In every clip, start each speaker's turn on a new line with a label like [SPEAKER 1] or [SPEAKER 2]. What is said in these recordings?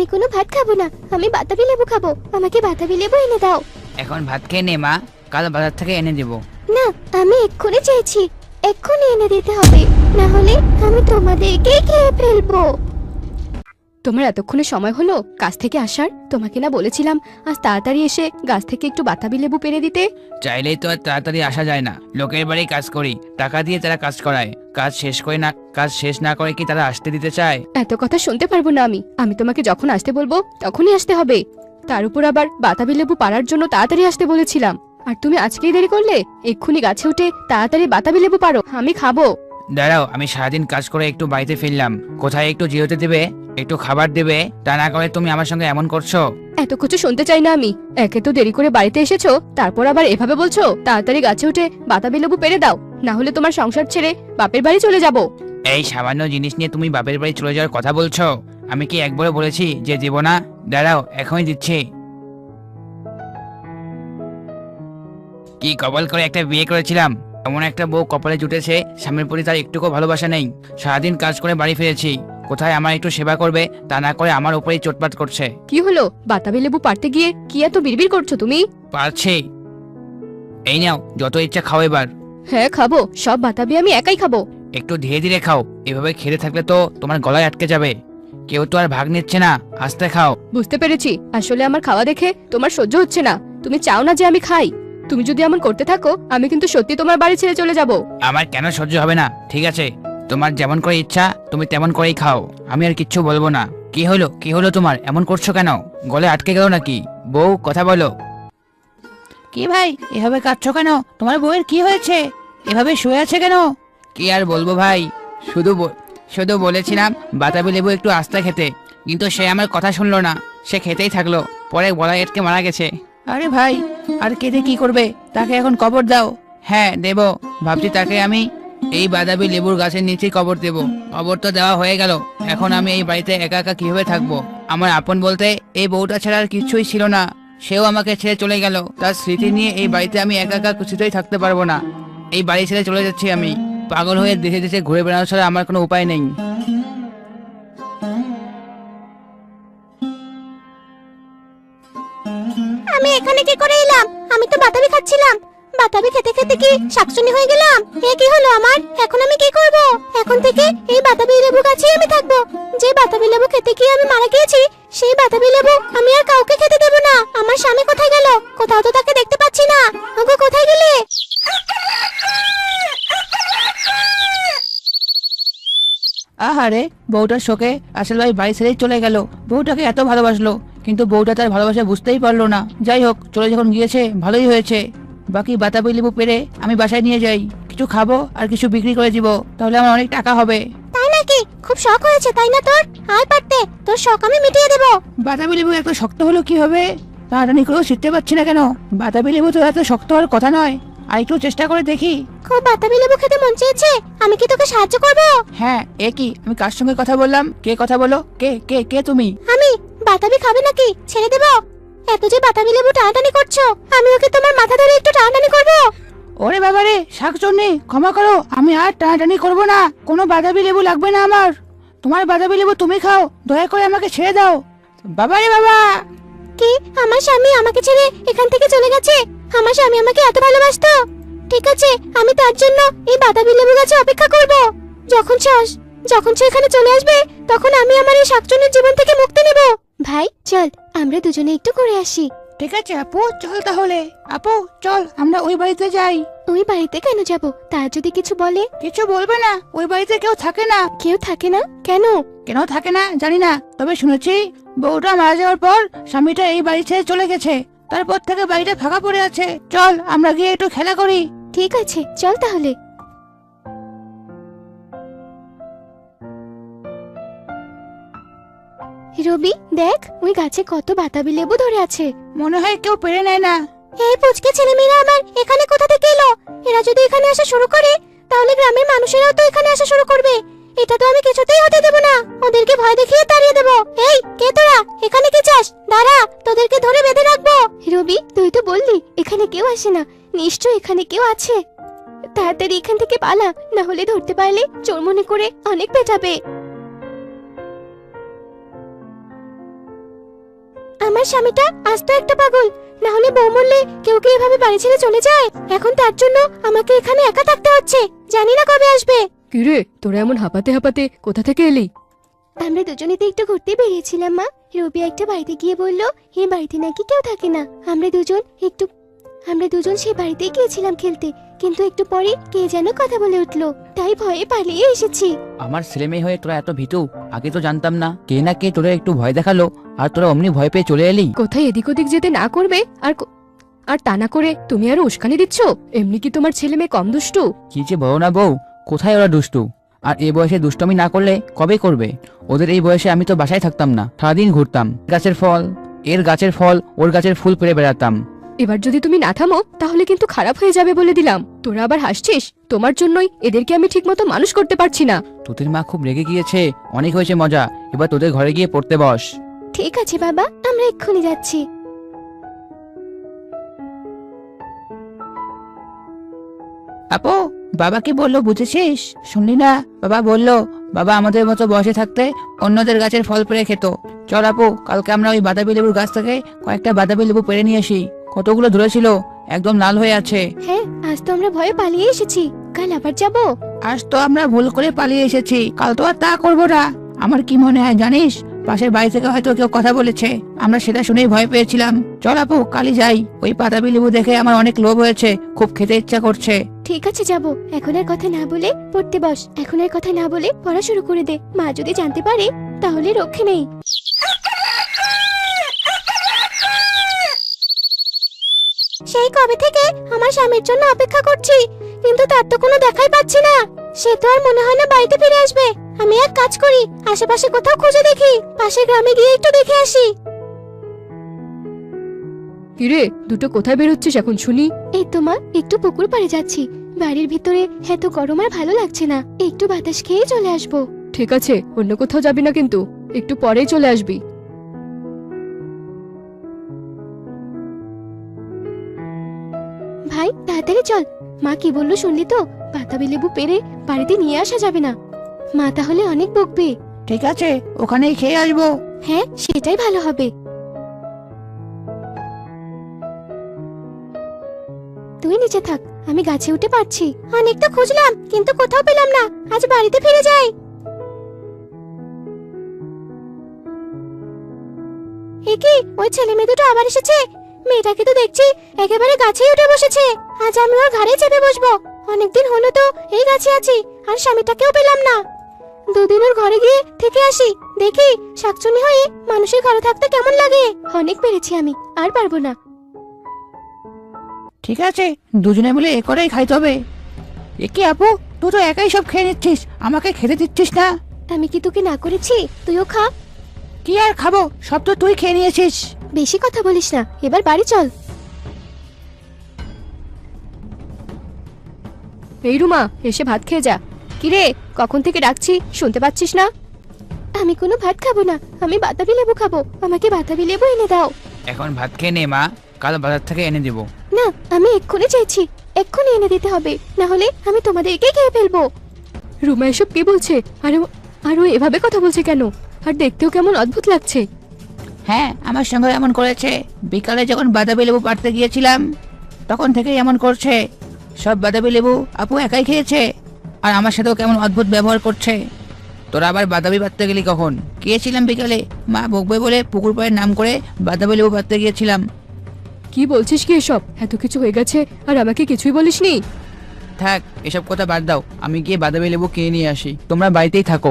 [SPEAKER 1] আমি কোনো ভাত খাবো না, আমি বাতাবি লেবু খাবো। আমাকে বাতাবি লেবু এনে দাও।
[SPEAKER 2] এখন ভাত খেয়ে নে মা, কাল বাজার থেকে এনে দেবো।
[SPEAKER 1] না, আমি এক্ষুনি চেয়েছি, এক্ষুনি এনে দিতে হবে, না হলে আমি তোমাদেরকেই খেয়ে ফেলবো।
[SPEAKER 3] তোমার এতক্ষণে সময় হলো গাছ থেকে আসার? তোমাকে না বলেছিলাম আজ তাড়াতাড়ি এসে গাছ থেকে একটু বাতাবি লেবু পেড়ে দিতে?
[SPEAKER 2] চাইলেই তো আর তাড়াতাড়ি আসা যায় না। লোকের বাড়ি কাজ করি, টাকা দিয়ে তারা কাজ করায়। কাজ শেষ না করে কি তারা আসতে দিতে চায়?
[SPEAKER 3] এত কথা শুনতে পারবো না আমি। আমি তোমাকে যখন আসতে বলবো তখনই আসতে হবে। তার উপর আবার বাতাবি লেবু পাড়ার জন্য তাড়াতাড়ি আসতে বলেছিলাম, আর তুমি আজকেই দেরি করলে। এক্ষুনি গাছে উঠে তাড়াতাড়ি বাতাবি লেবু পারো, আমি খাবো।
[SPEAKER 2] দাঁড়াও, আমি সারাদিন কাজ করে একটু বাড়িতে ফিরলাম, কোথায় একটু জিরোতে দেবে, একটু খাবার দেবে, তা না করে তুমি আমার সঙ্গে এমন করছো।
[SPEAKER 3] এত কিছু শুনতে চাই না আমি। একে তো দেরি করে বাড়িতে এসেছো, তারপর আবার এভাবে বলছো তাড়াতাড়ি গাছে উঠে বাতাবি লেবু পেড়ে দাও, না হলে তোমার সংসার ছেড়ে বাপের বাড়ি চলে যাব।
[SPEAKER 2] এই সামান্য জিনিস নিয়ে তুমি বাপের বাড়ি চলে যাওয়ার কথা বলছো? আমি কি একবারও বলেছি যে দেব না? দাঁড়াও, এখনই দিচ্ছি। কি কপাল করে একটা বিয়ে করেছিলাম, এমন একটা বউ কপালে জুটেছে, স্বামীর প্রতি তার একটুকু ভালোবাসা নেই। সারাদিন কাজ করে বাড়ি ফিরেছি, কোথায় আমার একটু সেবা করবে, তা না করে আমার উপরেই চোটপাট করছে।
[SPEAKER 3] কি হলো? বাতাবি লেবু পাড়তে গিয়ে কি এত বিড়বিড় করছো তুমি?
[SPEAKER 2] পারছি। এই নাও, যত ইচ্ছা খাও এবার।
[SPEAKER 3] হ্যাঁ খাবো, সব বাতাবি আমি একাই খাবো।
[SPEAKER 2] একটু ধীরে ধীরে খাও, এভাবে খেতে থাকলে তো তোমার গলায় আটকে যাবে। কেউ তো আর ভাগ নিচ্ছে না, আস্তে খাও।
[SPEAKER 3] বুঝতে পেরেছি, আসলে আমার খাওয়া দেখে তোমার সহ্য হচ্ছে না। তুমি চাও না যে আমি খাই। তুমি যদি এমন করতে থাকো আমি কিন্তু সত্যি তোমার বাড়ি ছেড়ে চলে যাব।
[SPEAKER 2] আমার কেন সহ্য হবে না? ঠিক আছে, তোমার যেমন করে ইচ্ছা তুমি তেমন করেই খাও, আমি আর কিচ্ছু বলবো না। কি হলো তোমার? এমন করছো কেন? গলে আটকে গেল নাকি? বউ, কথা বলো। কি ভাই, এভাবে কাঁদছো কেন? তোমার বউয়ের কি হয়েছে? এভাবে শুয়ে আছে কেন? কি আর বলবো ভাই, শুধু বলেছিলাম বাতাবি লেবু একটু আস্তে খেতে, কিন্তু সে আমার কথা শুনলো না, সে খেতেই থাকলো, পরে গলায় আটকে মারা গেছে। আরে ভাই, আর কেঁদে কি করবে? তাকে এখন কবর দাও। হ্যাঁ দেব, ভাবছি তাকে আমি এই বাতাবি লেবুর গাছের নিচেই কবর দেব। কবর তো দেওয়া হয়ে গেল, এখন আমি এই বাড়িতে একা একা কিভাবে থাকবো? আমার আপন বলতে এই বউটা ছাড়া আর কিছুই ছিল না, সেও আমাকে ছেড়ে চলে গেল। তার স্মৃতি নিয়ে এই বাড়িতে আমি একা একা কিছুতেই থাকতে পারবো না। এই বাড়ি ছেড়ে চলে যাচ্ছি আমি। পাগল হয়ে দেশে দেশে ঘুরে বেড়ানো ছাড়া আমার কোনো উপায় নেই।
[SPEAKER 1] আমি এখানে কি করে এলাম? আমি তো বাতাবি খাচ্ছিলাম। বাতাবি খেতে খেতে কি শাকচুনি হয়ে গেলাম? এ কি হলো আমার? এখন আমি কি করব? এখন থেকে এই বাতাবি লেবু গাছেই আমি থাকবো। যে বাতাবি লেবু খেতে গিয়ে আমি মারা গিয়েছি, সেই বাতাবি লেবু আমি আর কাউকে খেতে দেব না। আমার স্বামী কোথায় গেল? কোথাও তো তাকে দেখতে পাচ্ছি না। ওগো, কোথায় গেলে?
[SPEAKER 2] আহারে, বউটার শোকে আসল ভাই বাড়ি ছেড়েই চলে গেল। বউটাকে এত ভালোবাসলো, কিন্তু বউটা তার ভালোবাসা বুঝতেই পারলো না। যাই হোক, চলে যখন গিয়েছে ভালোই হয়েছে। বাকি বাতাবি লেবু পেরে আমি বাসায় নিয়ে যাই, কিছু খাবো আর কিছু বিক্রি করে দিব, তাহলে আমার অনেক টাকা হবে।
[SPEAKER 1] তাই নাকি? খুব শখ হয়েছে তাই না তোর? আয় পারতে, তোর শখ আমি মিটিয়ে দেব।
[SPEAKER 2] বাতাবি লেবু এত শক্ত হলো কি হবে? তাড়াতাড়ি করেও শিখতে পারছি না কেন? বাতাবি লেবু তো এত শক্ত হওয়ার কথা নয়, আর একটু চেষ্টা করে দেখি।
[SPEAKER 1] খুব বাতাবি লেবু খেতে মন চেয়েছে, আমি কি তোকে সাহায্য করব?
[SPEAKER 2] হ্যাঁ, এ কি, আমি কার সঙ্গে কথা বললাম? কে কথা বলো? কে কে কে তুমি?
[SPEAKER 1] আমি। বাতাবি খাবে নাকি? ছেড়ে দেব? এত যে বাতাবি লেবু টানাটানি করছো, আমি ওকে তোমার মাথা ধরে একটু টানাটানি করব।
[SPEAKER 2] ওরে বাবারে, শাকচুন্নি, ক্ষমা করো, আমি আর টানাটানি করব না। কোনো বাতাবি লেবু লাগবে না আমার। তোমার বাতাবি লেবু তুমি খাও, দয়া করে আমাকে ছেড়ে দাও। বাবারে বাবা!
[SPEAKER 1] কি, আমার স্বামী আমাকে ছেড়ে এখান থেকে চলে গেছে? আমার স্বামী আমাকে এত ভালোবাসতো? ঠিক আছে, আমি তার জন্য এই বাতাবি লেবু গাছে অপেক্ষা করব। যখন সে এখানে চলে আসবে, তখন আমি আমার এই শাকচুন্নির জীবন থেকে মুক্তি নেব। ভাই চল, আমরা দুজনে একটু ঘুরে আসি।
[SPEAKER 2] ঠিক আছে আপু, চল তাহলে। আপু চল, আমরা ওই বাড়িতে যাই।
[SPEAKER 1] ওই বাড়িতে কেন যাব? তার যদি কিছু বলে?
[SPEAKER 2] কিছু বলবে না, ওই বাড়িতে কেউ থাকে না।
[SPEAKER 1] কেউ থাকে না? কেন?
[SPEAKER 2] কেন থাকে না জানি না, তবে শুনেছি বউটা মারা যাওয়ার পর স্বামীটা এই বাড়ি ছেড়ে চলে গেছে, তারপর থেকে বাড়িটা ফাঁকা পড়ে আছে। চল আমরা গিয়ে একটু খেলা করি।
[SPEAKER 1] ঠিক আছে, চল তাহলে। রবি, দেখ ওই গাছে কত বাতাবি লেবু ধরে আছে।
[SPEAKER 2] মনে হয় কেউ পেরে নেয় না।
[SPEAKER 1] এই পুচকে ছেলেমেয়েরা আবার এখানে কোথা থেকে এলো? এরা যদি এখানে আসা শুরু করে, তাহলে গ্রামের মানুষেরাও তো এখানে আসা শুরু করবে। এটা তো আমি কিছুতেই হতে দেব না। ওদেরকে ভয় দেখিয়ে তাড়িয়ে দেব। এই, কে তোরা? এখানে কি চাস? দাঁড়া, তোদেরকে ধরে বেঁধে রাখবো। রবি, তুই তো বললি এখানে কেউ আসে না, নিশ্চয় এখানে কেউ আছে। তাড়াতাড়ি এখান থেকে পালা, না হলে ধরতে পারলে চোর মনে করে অনেক পেটাবে। আমার স্বামীটা আস্ত একটা পাগল। না হলে বউ মরলে কেউ কি এভাবে বাড়ি ছেড়ে চলে যায়? এখন তার জন্য আমাকে এখানে একা থাকতে হচ্ছে। জানি না কবে আসবে।
[SPEAKER 3] কিরে, তোরা এমন হাঁপাতে হাঁপাতে কোথা থেকে এলি?
[SPEAKER 1] আমরা দুজনে তো একটু ঘুরতে বেরিয়েছিলাম মা। রবি একটা বাড়িতে গিয়ে বলল এই বাড়িতে নাকি কেউ থাকে না। আমরা দুজন সেই বাড়িতেই গিয়েছিলাম খেলতে, কিন্তু একটু পরে কে যেন কথা বলে উঠলো, তাই ভয়ে পালিয়ে এসেছি।
[SPEAKER 2] আমার ছেলে মেয়ে হয়ে তোরা এত ভীতু, আগে তো জানতাম না। কে না কে তোরা একটু ভয় দেখালো আর তোরা অমনি ভয় পেয়ে চলে এলি।
[SPEAKER 3] কোথায় এদিক ওদিক যেতে না করবে আর তা না করে তুমি আরো উস্কানি দিচ্ছ? এমনি কি তোমার ছেলে মেয়ে কম দুষ্টু?
[SPEAKER 2] কি যে বলো না বউ, কোথায় ওরা দুষ্টু? আর এই বয়সে দুষ্টমি না করলে কবে করবে? ওদের এই বয়সে আমি তো বাসায় থাকতাম না, সারাদিন ঘুরতাম, গাছের ফল এর গাছের ফল ওর গাছের ফুল পেড়ে বেড়াতাম।
[SPEAKER 3] এবার যদি তুমি না থামো তাহলে কিন্তু খারাপ হয়ে যাবে বলে দিলাম। তোরা আবার হাসছিস? তোমার জন্যই এদেরকে আমি ঠিকমতো মানুষ করতে পারছি না।
[SPEAKER 2] তোদের মা খুব রেগে গিয়েছে, অনেক হয়েছে মজা, এবার তোদের ঘরে গিয়ে পড়তে বস।
[SPEAKER 1] ঠিক আছে বাবা, আমরা এক্ষুনি যাচ্ছি।
[SPEAKER 2] আপু, বাবা কি বললো বুঝেছিস? শুনলি না? বাবা বললো বাবা আমাদের মতো বসে থাকতে অন্যদের গাছের ফল পেড়ে খেত। চল আপু, কালকে আমরা ওই বাতাবি লেবুর গাছ থেকে কয়েকটা বাতাবি লেবু পেড়ে নিয়ে আসি। কতগুলো ধরেছিল, একদম লাল হয়ে আছে।
[SPEAKER 1] হ্যাঁ, আজ তো আমরা ভয়ে পালিয়ে এসেছি, কাল আবার যাব।
[SPEAKER 2] আজ তো আমরা ভুল করে পালিয়ে এসেছি, কাল তো আর তা করবো না। আমার কি মনে হয় জানিস, পাশের বাড়ি থেকে হয়তো কেউ কথা বলেছে, আমরা সেটা শুনেই ভয় পেয়েছিলাম। চল আপু, কালই যাই। ওই বাতাবি লেবু দেখে আমার অনেক লোভ হয়েছে, খুব খেতে ইচ্ছা করছে।
[SPEAKER 1] ঠিক আছে যাব। এখন আর কথা না বলে পড়তে বস। এখন আর কথা না বলে পড়া শুরু করে দে। মা যদি জানতে পারে তাহলে রক্ষে নেই। সেই কবে থেকে আমার স্বামীর জন্য অপেক্ষা করছি, কিন্তু তার তো কোনো দেখাই পাচ্ছি না। সে তো আর মনে হয় না বাড়িতে ফিরে আসবে। আমি এক কাজ করি, আশেপাশে কোথাও খুঁজে দেখি, পাশের গ্রামে গিয়ে একটু দেখে আসি।
[SPEAKER 3] কিরে, দুটো কোথায় বেরোচ্ছিস এখন শুনি?
[SPEAKER 1] এই তো মা, একটু পুকুর পাড়ে যাচ্ছি। বাড়ির ভিতরে এত গরম আর ভালো লাগছে না, একটু বাতাস খেয়ে চলে আসবো।
[SPEAKER 3] ঠিক আছে, অন্য কোথাও যাবি না কিন্তু, একটু পরেই চলে আসবি।
[SPEAKER 1] ভাই তাড়াতাড়ি চল। মা কি বললো শুনলি তো? বাতাবি লেবু পেড়ে বাড়িতে নিয়ে আসা যাবে না। মা তাহলে অনেক বকবে।
[SPEAKER 2] ঠিক আছে, ওখানেই খেয়ে আসবো।
[SPEAKER 1] হ্যাঁ, সেটাই ভালো হবে। তুই নিচে থাক, আমি গাছে উঠে পারছি। অনেক তো খুঁজলাম, কিন্তু কোথাও পেলাম না। আজ বাড়িতে ফিরে যাই। এ কি, ওই ছেলে মেয়ে দুটো আবার এসেছে? মেয়েটাকে তো দেখছি একেবারে গাছেই উঠে বসেছে। আজ আমি ওর ঘাড়ে চেপে বসবো। অনেকদিন হলো তো এই গাছে আছি, আর স্বামীটাকেও পেলাম না। দুদিন ওর ঘরে গিয়ে থেকে আসি, দেখি শাকচুনি হয়ে মানুষের ঘরে থাকতে কেমন লাগে। অনেক পেরেছি আমি, আর পারবো না।
[SPEAKER 2] ঠিক আছে, দুজনে মিলে এ করেই খাইতে হবে। এ কি আপু, তুই তো একাই সব খেয়ে নিচ্ছিস, আমাকে খেতে দিচ্ছিস না?
[SPEAKER 1] আমি কি তোকে না করেছি? তুইও খা।
[SPEAKER 2] কি আর খাবো, সব তো তুই খেয়ে নিয়েছিস।
[SPEAKER 1] বেশি কথা বলিস না, এবার বাড়ি চল।
[SPEAKER 3] এই রুমা, এসে ভাত খেয়ে যা। কিরে, কখন থেকে ডাকছি, শুনতে পাচ্ছিস না?
[SPEAKER 1] আমি কোনো ভাত খাবো না, আমি বাতাবি লেবু খাবো। আমাকে বাতাবি লেবু এনে দাও।
[SPEAKER 2] এখন ভাত খেয়ে নে মা, কাল বাজার থেকে এনে দেবো।
[SPEAKER 1] না, আমি এক্ষুনি চাইছি, এক্ষুনি এনে দিতে হবে, না হলে আমি তোমাদেরকে খেয়ে ফেলবো।
[SPEAKER 3] রুমা এসব কি বলছে? আর ও এভাবে কথা বলছে কেন? আর দেখতেও কেমন অদ্ভুত লাগছে।
[SPEAKER 2] হ্যাঁ, আমার সঙ্গে এমন করেছে। বিকালে যখন বাতাবি লেবু পাড়তে গিয়েছিলাম তখন থেকেই এমন করছে। সব বাতাবি লেবু আপু একাই খেয়েছে, আর আমার সাথেও কেমন অদ্ভুত ব্যবহার করছে। তোরা আবার বাতাবি পাড়তে গেলি কখন? গিয়েছিলাম বিকালে, মা বকবে বলে পুকুর পাড়ের নাম করে বাতাবি লেবু পাড়তে গিয়েছিলাম।
[SPEAKER 3] কি বলছিস কি এসব? এত কিছু হয়ে গেছে আর আমাকে কিছুই বলিসনি?
[SPEAKER 2] থাক, এসব কথা বাদ দাও, আমি গিয়ে বাতাবি লেবু কিনে নিয়ে আসি, তোমরা বাড়িতেই থাকো।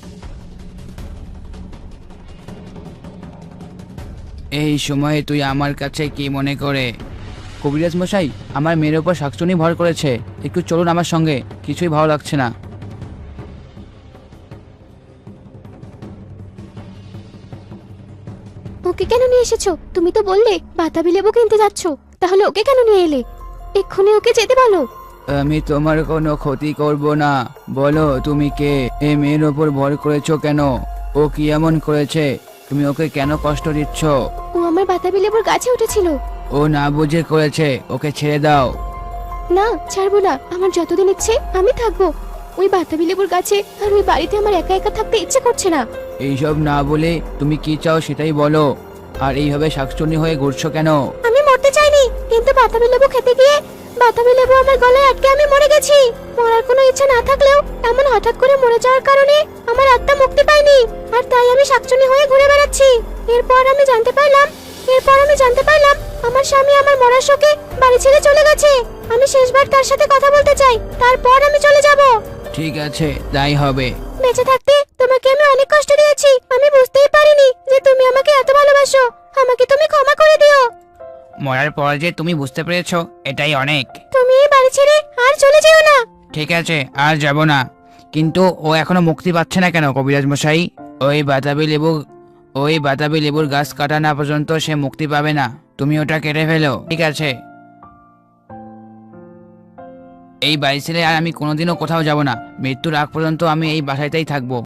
[SPEAKER 2] এই সময়ে তুই আমার কাছে কি মনে করে? কবিরাজ মশাই, আমার মেয়ের উপর শাকচুনি ভর করেছে, একটু চলুন আমার সঙ্গে, কিছুই ভালো লাগছে না।
[SPEAKER 1] ওকে কেন নিয়ে এসেছো? তুমি তো বললে বাতাবি লেবু কিনতে যাচ্ছো, তাহলে ওকে কেন নিয়ে এলে? এক্ষুনি ওকে যেতে বলো।
[SPEAKER 2] আমি তোমার কোনো ক্ষতি করব না। বলো তুমি কে? এই মেয়ের ওপর ভর করেছো কেন? ও কি এমন করেছে? তুমি ওকে কেন কষ্ট দিচ্ছ?
[SPEAKER 1] ও আমার বাতাবি লেবুর গাছে উঠেছিল।
[SPEAKER 2] ও না বুঝে করেছে, ওকে ছেড়ে দাও।
[SPEAKER 1] না, ছাড়বো না। আমার যতদিন ইচ্ছে আমি থাকবো ওই বাতাবি লেবুর গাছে, আর ওই বাড়িতে আমার একা একা থাকতে ইচ্ছে করছে না।
[SPEAKER 2] এইসব না বলে তুমি কি চাও সেটাই বলো। আর এইভাবে শাকচুন্নি হয়ে ঘুরছো কেন?
[SPEAKER 1] আমি মরতে চাইনি, কিন্তু বাতাবি লেবু খেতে গিয়ে বাতাবি লেবু আমার গলায় আটকে আমি মরে গেছি। মরার কোনো ইচ্ছা না থাকলেও এমন হঠাৎ করে মরে যাওয়ার কারণে আমার আত্মা মুক্তি পায়নি, আর তাই আমি শাকচুন্নি হয়ে ঘুরে বেড়াচ্ছি। এরপর আমি জানতে পারলাম আমার স্বামী আমার মরার শোকে বাড়ি ছেড়ে চলে গেছে। আমি শেষবার তার সাথে কথা বলতে চাই, তারপর আমি চলে যাব।
[SPEAKER 2] ঠিক আছে, তাই হবে।
[SPEAKER 1] বেঁচে থাকতে তোমাকে আমি অনেক কষ্ট দিয়েছি, আমি বুঝতেই পারিনি যে তুমি আমাকে এত ভালোবাসো। আমাকে তুমি ক্ষমা করে দিও।
[SPEAKER 2] মরার পর যে তুমি বুঝতে পেরেছো, এটাই অনেক।
[SPEAKER 1] তুমি এই বাড়ি ছেড়ে আর চলে যেও না।
[SPEAKER 2] ঠিক আছে, আর যাব না। কিন্তু ও এখনো মুক্তি পাচ্ছে না কেন কবিরাজ মশাই? ওই বাতাবি লেবুর গাছ কাটা না পর্যন্ত সে মুক্তি পাবে না। তুমি ওটা কেটে ফেলো। ঠিক আছে, এই বাড়ি ছেড়ে আর আমি কোনোদিনও কোথাও যাব না। মৃত্যুর আগ পর্যন্ত আমি এই বাসাতেই থাকবো।